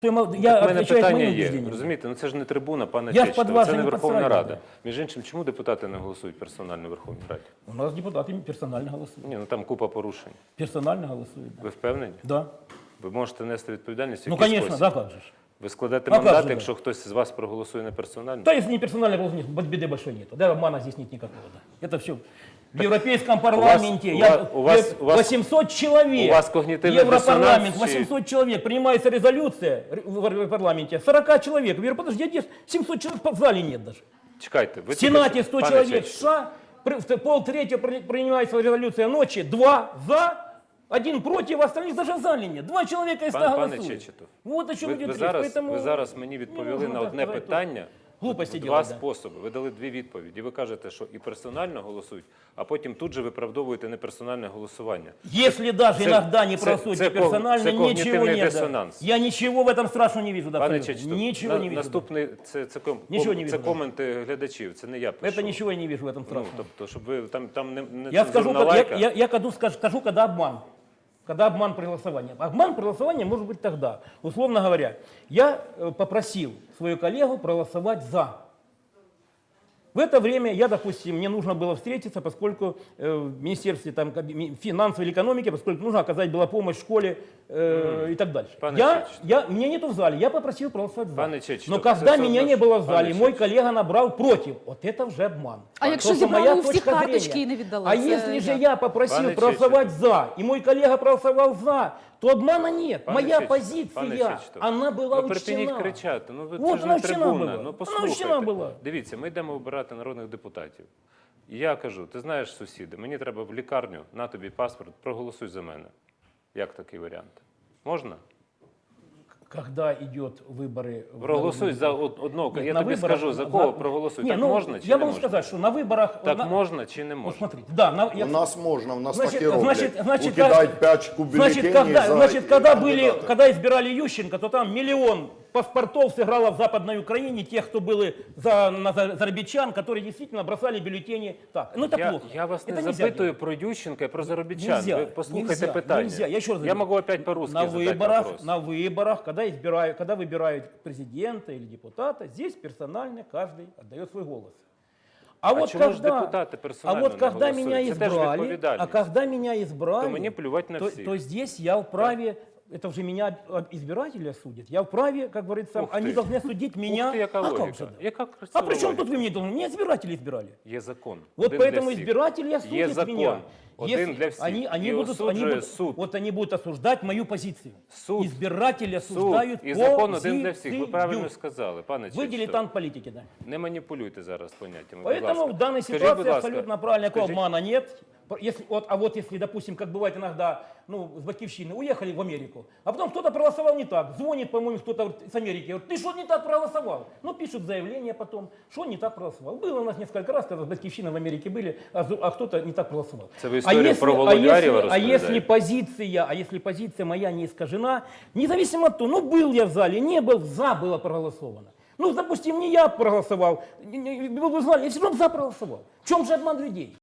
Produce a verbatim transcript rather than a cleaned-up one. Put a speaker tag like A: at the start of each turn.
A: Я
B: У мене питання є.
A: убеждениям.
B: Розумієте, ну це ж не трибуна, пане
A: Я
B: Чечетов,
A: з-під вас
B: це
A: же
B: не
A: не
B: Верховна
A: підстраюю,
B: Рада.
A: да.
B: Між іншим, чому депутати не голосують персонально в Верховній Раді?
A: У нас депутаты персонально голосуют.
B: Ні, ну там купа порушень.
A: Персонально голосуют, да.
B: Ви впевнені?
A: Да.
B: Ви можете нести відповідальність в
A: Ну,
B: якийсь
A: конечно,
B: спосіб?
A: да, как же. ж.
B: Ви складете
A: А как
B: мандат,
A: же, да.
B: якщо хтось з вас проголосує не персонально?
A: Да, если не персонально голосуют, беды большой нету. Да, обмана здесь нет никакого. Да. Это все в Европейском парламенте.
B: у
A: я,
B: вас- у вас- у вас-
A: восемьсот человек.
B: у вас когнитивный
A: Европарламент,
B: диссонанс,
A: восемьсот человек. Принимается резолюция в парламенте. сорок человек. Я говорю, подожди, где семьсот человек в зале нет даже.
B: Чекайте, ви
A: В Сенате
B: тільки що-
A: сто
B: пане
A: человек.
B: Чечетов,
A: США, при- в полтретьего при- принимается резолюция ночи, два за, один против, остальных даже в зале нет. Два человека из ста
B: Пан, пане
A: голосуют.
B: Чечетов,
A: Вот о чем
B: ви,
A: идет
B: ви,
A: речь.
B: зараз,
A: Поэтому
B: ви зараз мені відповіли
A: нужно
B: на
A: так
B: одне
A: сказать,
B: питання.
A: глупості
B: в
A: делать,
B: два
A: да.
B: способи. Ви дали дві відповіді. Ви кажете, що і персонально голосують, а потім тут же виправдовуєте неперсональне голосування.
A: Если даже
B: Це-
A: иногда не
B: це-
A: проголосуют
B: це ког-
A: персонально,
B: це
A: ничего
B: когнітивний
A: нет. да.
B: диссонанс.
A: Я ничего в этом страшного не вижу. Да,
B: Пане
A: абсолютно.
B: Чечетов,
A: Ничего
B: на-
A: не вижу. да.
B: наступний, це, це, ком,
A: Нічого
B: ком-
A: не
B: це
A: вижу, да.
B: коменти глядачів, це не я пишу.
A: Это ничего я не вижу в этом
B: Ну,
A: страшного.
B: тобто, щоб ви там, там не, не
A: Я скажу,
B: цензурна
A: когда-
B: лайка.
A: я, я, я когда скажу, скажу, когда обман. Когда обман при голосовании. Обман при голосовании может быть тогда. Условно говоря, я э, попросил свою коллегу проголосовать за. В это время я, допустим, мне нужно было встретиться, поскольку э, в Министерстве там, каб- ми- финансов или экономики, поскольку нужно оказать была помощь в школе э, и так дальше.
B: Пане
A: Я,
B: Чечетов.
A: я, меня нету в зале, я попросил проголосовать за.
B: Пане Чечетов,
A: Но
B: це
A: когда
B: все
A: меня
B: одно
A: не
B: ж-
A: было в
B: Пане
A: зале, мой
B: Чечетов.
A: коллега набрал против. Вот это уже обман.
C: А якщо
A: То, что
C: зібрали
A: моя
C: у всіх
A: точка
C: карточки
A: зрения.
C: і не віддали?
A: А
C: Це
A: если же
C: як?
A: я попросил
B: Пане
A: проголосовать
B: Чечетов.
A: за, и мой коллега проголосовал за, то обмана нет.
B: Пане
A: Моя
B: Чечетов,
A: позиция,
B: пане Чечетов,
A: она была
B: ну, припиніть
A: учтена.
B: кричати. Ну, ви,
A: Вот
B: це ж
A: вона
B: не
A: вчена
B: трибуна.
A: була.
B: Ну,
A: Вона
B: послухайте.
A: вчена була.
B: Дивіться, ми йдемо обирати народних депутатів. І я кажу, ти знаєш, сусіди, мені треба в лікарню, на тобі паспорт, проголосуй за мене. Як такий варіант? Можна?
A: Когда идет выборы... в
B: Проголосуй
A: народные
B: за
A: депутаты.
B: од- одного.
A: Нет,
B: Я
A: на
B: тобі
A: выборах-
B: скажу, за кого проголосуй.
A: Не,
B: Так
A: ну,
B: можна чи
A: я
B: не
A: могу
B: можна?
A: сказать, что на выборах...
B: Так
A: на-
B: можна чи не
A: Вот
B: можна?
A: смотрите, да, на, я-
D: У нас можно, у нас
A: Значит,
D: так и роблять.
A: значит, значит,
D: Укидать
A: как-
D: пачку
A: Значит,
D: бюллетеней
A: когда,
D: за
A: значит, когда, были,
D: кандидата.
A: когда избирали Ющенко, то там миллион паспортов сыграло в Западной Украине, тех, кто были за, на за- зарабичан, которые действительно бросали бюллетени так. Ну это
B: Я,
A: плохо.
B: я вас
A: Это
B: не
A: нельзя
B: запитую
A: делать.
B: про Ющенка і про заробітчан.
A: Нельзя,
B: Ви послухайте
A: нельзя,
B: питання.
A: нельзя. Я еще раз
B: я
A: говорю,
B: могу опять по-русски
A: на
B: задать
A: выборах,
B: вопрос.
A: на выборах, когда избирают, когда выбирают президента или депутата, здесь персонально каждый отдает свой голос. А, вот
B: чому ж
A: когда,
B: депутати
A: а
B: персонально
A: вот
B: не
A: когда
B: голосують?
A: меня
B: Це теж
A: избрали, а
B: відповідальність.
A: когда меня избрали,
B: То мені плювать на
A: то,
B: всіх.
A: то здесь я вправе, это уже меня от- избиратели судят, я вправе, как говорится,
B: Ух
A: они
B: ты.
A: должны судить меня.
B: Ух ти, яка
A: а
B: логіка.
A: как же, да?
B: Яка
A: А
B: красива
A: при чем
B: логіка.
A: тут вы мне должны? Меня избиратели избирали.
B: Є закон.
A: Вот
B: один для
A: поэтому
B: всіх.
A: избиратели
B: Є
A: осудят
B: закон.
A: меня.
B: Один
A: Если
B: для всіх.
A: Они, они
B: І
A: будут, они
B: осуджує
A: будут,
B: суд.
A: вот они будут осуждать мою позицию.
B: Суд.
A: Избиратели
B: Суд
A: осуждают
B: і закон один для
A: позицию.
B: всіх. Ви правильно сказали, пане
A: Вы
B: Чечетов.
A: дилетант политики, да.
B: Не маніпулюйте зараз поняттями. будь
A: Поэтому
B: ласка.
A: в данной
B: Скажіть,
A: ситуации
B: будь ласка,
A: абсолютно правильно, никакого
B: скажіть-
A: обмана нет. Если, вот, а вот если, допустим, как бывает иногда, ну, с Батьковщины уехали в Америку, а потом кто-то проголосовал не так, звонит, по-моему, кто-то с Америки, говорит, ты что не так проголосовал? Ну, пишут заявление потом, что не так проголосовал. Было у нас несколько раз, когда с Батьковщины в Америке были, а, зу- а кто-то не так проголосовал.
B: Это вы историю про
A: а
B: Володю Арьева
A: если, а если
B: рассказали?
A: позиция, а если позиция моя не искажена, независимо от того, ну, был я в зале, не был, за было проголосовано. Ну, допустим, не я проголосовал, не- не- вы бы знали, я все равно за проголосовал. В чем же обман людей?